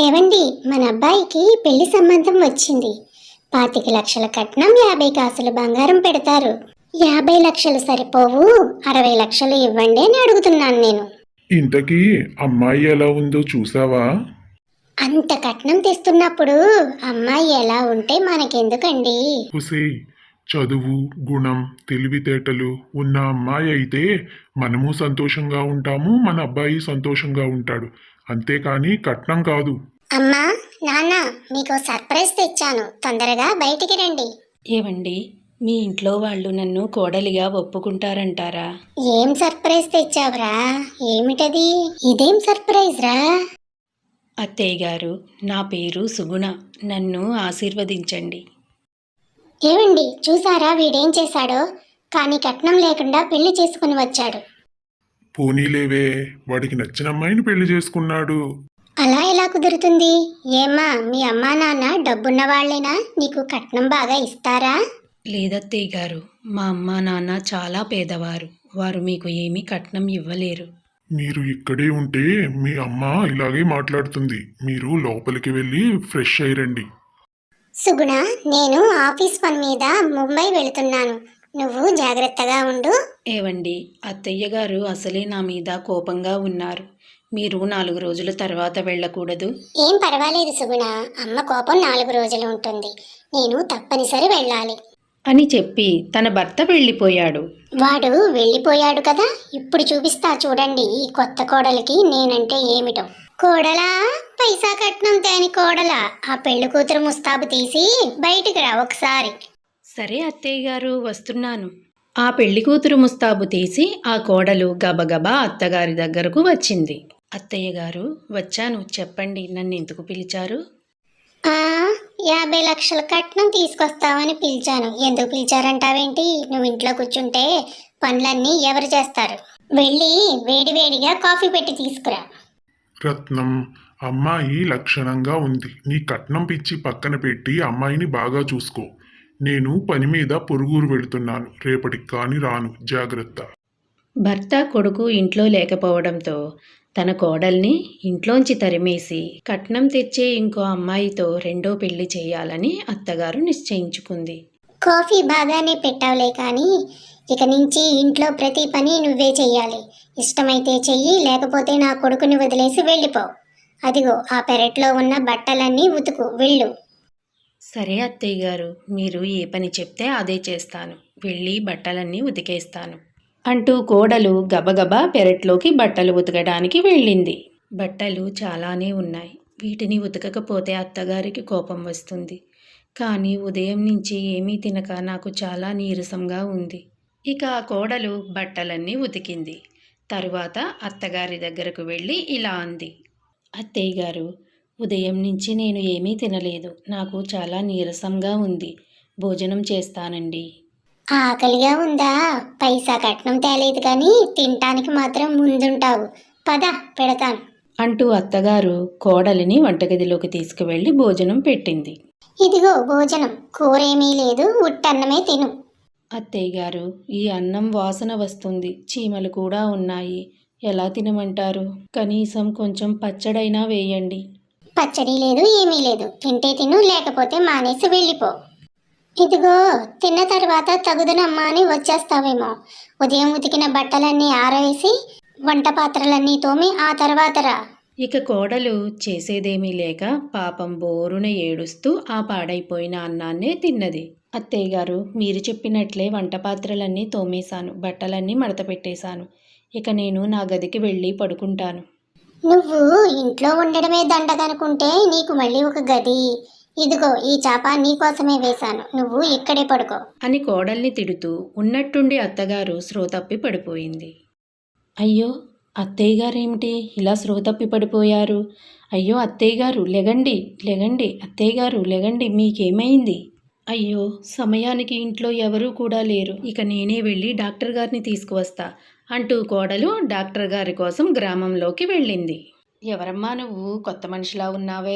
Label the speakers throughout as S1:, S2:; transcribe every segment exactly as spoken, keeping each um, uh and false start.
S1: ఏవండి, మన అబ్బాయికి పెళ్లి సంబంధం వచ్చింది. పాతిక లక్షల కట్నం, యాభై కాసులు బంగారం పెడతారు. యాభై లక్షలు సరిపోవు, అరవై లక్షలు ఇవ్వండి అని అడుగుతున్నాను నేను.
S2: ఇంతకీ అమ్మాయి ఎలా ఉందో చూసావా?
S1: అంత కట్నం తెస్తున్నప్పుడు అమ్మాయి ఎలా ఉంటే మనకెందుకండి?
S2: హుసేయ్, చదువు, గుణం, తెలివితేటలు ఉన్న అమ్మాయి అయితే మనము సంతోషంగా ఉంటాము, మన అబ్బాయి సంతోషంగా ఉంటాడు. అంతేకాని కట్నం కాదు.
S1: అమ్మా, నాన్న, మీకు సర్ప్రైజ్ తెచ్చాను, తొందరగా బయటికి రండి.
S3: ఏవండి, మీ ఇంట్లో వాళ్ళు నన్ను కోడలిగా ఒప్పుకుంటారంటారా?
S1: ఏం సర్ప్రైజ్ తెచ్చావురా? ఏమిటది? ఇదేం సర్ప్రైజ్ రా?
S3: అత్తయ్య గారు, నా పేరు సుగుణ. నన్ను ఆశీర్వదించండి.
S1: ఏవండి, చూసారా వీడేం చేశాడో? కానీ కట్నం లేకుండా పెళ్లి చేసుకుని వచ్చాడు.
S2: పోనీలేవే, వాడికి నచ్చిన అమ్మాయిని పెళ్లి చేసుకున్నాడు.
S1: అలా ఎలా కుదురుతుంది? ఏమ్మా, మీ అమ్మా నాన్న డబ్బున్న వాళ్ళేనా? నీకు కట్నం బాగా ఇస్తారా?
S3: లేదత్తయ్య గారు, మా అమ్మ నాన్న చాలా పేదవారు. వారు మీకు ఏమీ కట్నం ఇవ్వలేరు.
S2: మీరు ఇక్కడే ఉంటే మీ అమ్మ ఇలాగే మాట్లాడుతుంది. మీరు లోపలికి వెళ్ళి ఫ్రెష్ అయ్యిరండి.
S1: సుగుణ, నేను ఆఫీస్ పని మీద ముంబై వెళుతున్నాను. నువ్వు జాగ్రత్తగా ఉండు.
S3: ఏవండి, అత్తయ్య గారు అసలే నా మీద కోపంగా ఉన్నారు. మీరు నాలుగు రోజుల తర్వాత వెళ్ళకూడదు?
S1: ఏం పర్వాలేదు సుగుణ, అమ్మ కోపం నాలుగు రోజులు ఉంటుంది. నేను తప్పనిసరి వెళ్ళాలి
S3: అని చెప్పి తన భర్త వెళ్ళిపోయాడు.
S1: వాడు వెళ్ళిపోయాడు కదా, ఇప్పుడు చూపిస్తా చూడండి ఈ కొత్త కోడలికి నేనంటే ఏమిటో. కోడలా, పైసా కట్నం తేని కోడలా, ఆ పెళ్లి కూతురు ముస్తాబు తీసి బయటికి రా ఒకసారి.
S3: సరే అత్తయ్య గారు, వస్తున్నాను. ఆ పెళ్లి కూతురు ముస్తాబు తీసి ఆ కోడలు గబగబా అత్తగారి దగ్గరకు వచ్చింది. అత్తయ్య గారు, వచ్చాను, చెప్పండి, నన్ను ఎందుకు పిలిచారు?
S1: ఆ యాభై లక్షల కట్నం తీసుకొస్తావని పిలిచాను. ఎందుకు పిలిచారంటావేంటి? నువ్వు ఇంట్లో కూర్చుంటే పనులన్నీ ఎవరు చేస్తారు? వెళ్ళి వేడివేడిగా కాఫీ పెట్టి తీసుకురా.
S2: రత్నం, అమ్మాయి లక్షణంగా ఉంది. నీ కట్నం పిచ్చి పక్కన పెట్టి అమ్మాయిని బాగా చూసుకో. నేను పని మీద పొరుగురు వెళుతున్నాను. రేపటికి కాని రాను, జాగ్రత్త.
S3: భర్త కొడుకు ఇంట్లో లేకపోవడంతో తన కోడల్ని ఇంట్లోంచి తరిమేసి కట్నం తెచ్చే ఇంకో అమ్మాయితో రెండో పెళ్లి చేయాలని అత్తగారు నిశ్చయించుకుంది.
S1: కాఫీ బాగానే పెట్టావులే, కానీ ఇక నుంచి ఇంట్లో ప్రతి పని నువ్వే చెయ్యాలి. ఇష్టమైతే చెయ్యి, లేకపోతే నా కొడుకుని వదిలేసి వెళ్ళిపో. అదిగో ఆ పెరట్లో ఉన్న బట్టలన్నీ ఉతుకు, వెళ్ళు.
S3: సరే అత్తయ్య గారు, మీరు ఏ పని చెప్తే అదే చేస్తాను. వెళ్ళి బట్టలన్నీ ఉతికేస్తాను అంటూ కోడలు గబగబా పెరట్లోకి బట్టలు ఉతకడానికి వెళ్ళింది. బట్టలు చాలానే ఉన్నాయి. వీటిని ఉతకకపోతే అత్తగారికి కోపం వస్తుంది. కానీ ఉదయం నుంచి ఏమీ తినక నాకు చాలా నీరసంగా ఉంది. ఇక ఆ కోడలు బట్టలన్నీ ఉతికింది. తరువాత అత్తగారి దగ్గరకు వెళ్ళి ఇలా అంది. అత్తయ్య గారు, ఉదయం నుంచి నేను ఏమీ తినలేదు. నాకు చాలా నీరసంగా ఉంది. భోజనం చేస్తానండి.
S1: ఆకలిగా ఉందా? పైసా కట్నం తేలేదు కానీ తినటానికి మాత్రం ముందుంటావు. పద, పెడతాను
S3: అంటూ అత్తగారు కోడలిని వంటగదిలోకి తీసుకువెళ్ళి భోజనం పెట్టింది.
S1: ఇదిగో భోజనం, కూరేమీ లేదు, ఉట్టన్నమే తిను.
S3: అత్తయ్య గారు, ఈ అన్నం వాసన వస్తుంది. చీమలు కూడా ఉన్నాయి. ఎలా తినమంటారు? కనీసం కొంచెం పచ్చడైనా వేయండి.
S1: పచ్చడి లేదు, ఏమీ లేదు. తింటే తిను, లేకపోతే మానేసి వెళ్ళిపో. ఇదిగో, తిన్న తర్వాత తగుదనమ్మా అని వచ్చేస్తావేమో. ఉదయం ఉతికిన బట్టలన్నీ ఆరవేసి వంట పాత్రలన్నీ తోమి ఆ తర్వాత రా.
S3: ఇక కోడలు చేసేదేమీ లేక పాపం బోరున ఏడుస్తూ ఆ పాడైపోయిన అన్నాన్నే తిన్నది. అత్తయ్య గారు, మీరు చెప్పినట్లే వంట పాత్రలన్నీ తోమేశాను, బట్టలన్నీ మడత పెట్టేశాను. ఇక నేను నా గదికి వెళ్ళి పడుకుంటాను.
S1: నువ్వు ఇంట్లో ఉండడమే దండగనుకుంటే నీకు మళ్ళీ ఒక గది. ఇదిగో ఈ చాప నీకోసమే వేశాను, నువ్వు ఇక్కడే పడుకో
S3: అని కోడల్ని తిడుతూ ఉన్నట్టుండి అత్తగారు స్పృహ తప్పి పడిపోయింది. అయ్యో, అత్తయ్య గారేమిటి ఇలా స్పృహ తప్పి పడిపోయారు? అయ్యో అత్తయ్య గారు, లెగండి, లెగండి, అత్తయ్య గారు లెగండి, మీకేమైంది? అయ్యో, సమయానికి ఇంట్లో ఎవరూ కూడా లేరు. ఇక నేనే వెళ్ళి డాక్టర్ గారిని తీసుకువస్తా అంటూ కోడలు డాక్టర్ గారి కోసం గ్రామంలోకి వెళ్ళింది. ఎవరమ్మా నువ్వు? కొత్త మనిషిలా ఉన్నావే.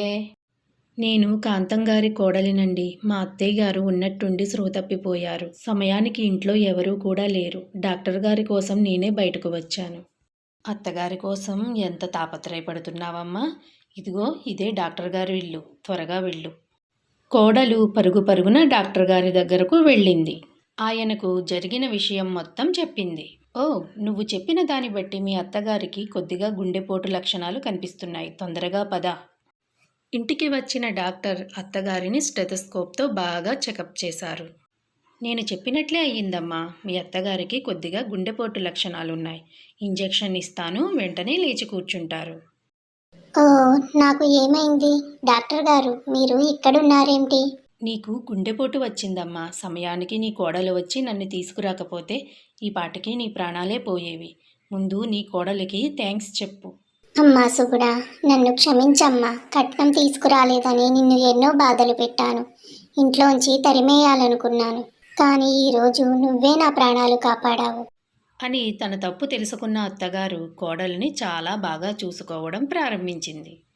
S3: నేను కాంతం గారి కోడలినండి. మా అత్తయ్య గారు ఉన్నట్టుండి స్పృహ తప్పిపోయారు. సమయానికి ఇంట్లో ఎవరూ కూడా లేరు. డాక్టర్ గారి కోసం నేనే బయటకు వచ్చాను. అత్తగారి కోసం ఎంత తాపత్రయపడుతున్నావమ్మా? ఇదిగో ఇదే డాక్టర్ గారి ఇల్లు, త్వరగా వెళ్ళు. కోడలు పరుగు పరుగున డాక్టర్ గారి దగ్గరకు వెళ్ళింది. ఆయనకు జరిగిన విషయం మొత్తం చెప్పింది. ఓ, నువ్వు చెప్పిన దాన్ని బట్టి మీ అత్తగారికి కొద్దిగా గుండెపోటు లక్షణాలు కనిపిస్తున్నాయి. తొందరగా పద. ఇంటికి వచ్చిన డాక్టర్ అత్తగారిని స్టెథోస్కోప్తో బాగా చెకప్ చేశారు. నేను చెప్పినట్లే అయ్యిందమ్మా. మీ అత్తగారికి కొద్దిగా గుండెపోటు లక్షణాలున్నాయి. ఇంజెక్షన్ ఇస్తాను, వెంటనే లేచి కూర్చుంటారు.
S1: ఓ, నాకు ఏమైంది? డాక్టర్ గారు, మీరు ఇక్కడున్నారేంటి?
S3: నీకు గుండెపోటు వచ్చిందమ్మా. సమయానికి నీ కోడలు వచ్చి నన్ను తీసుకురాకపోతే ఈ పాటికి నీ ప్రాణాలే పోయేవి. ముందు నీ కోడలికి థ్యాంక్స్ చెప్పు.
S1: అమ్మా సుగుడా, నన్ను క్షమించమ్మా. కట్నం తీసుకురాలేదని నిన్ను ఎన్నో బాధలు పెట్టాను. ఇంట్లోంచి తరిమేయాలనుకున్నాను. కానీ ఈరోజు నువ్వే నా ప్రాణాలు కాపాడావు.
S3: అని తన తప్పు తెలుసుకున్న అత్తగారు కోడలిని చాలా బాగా చూసుకోవడం ప్రారంభించింది.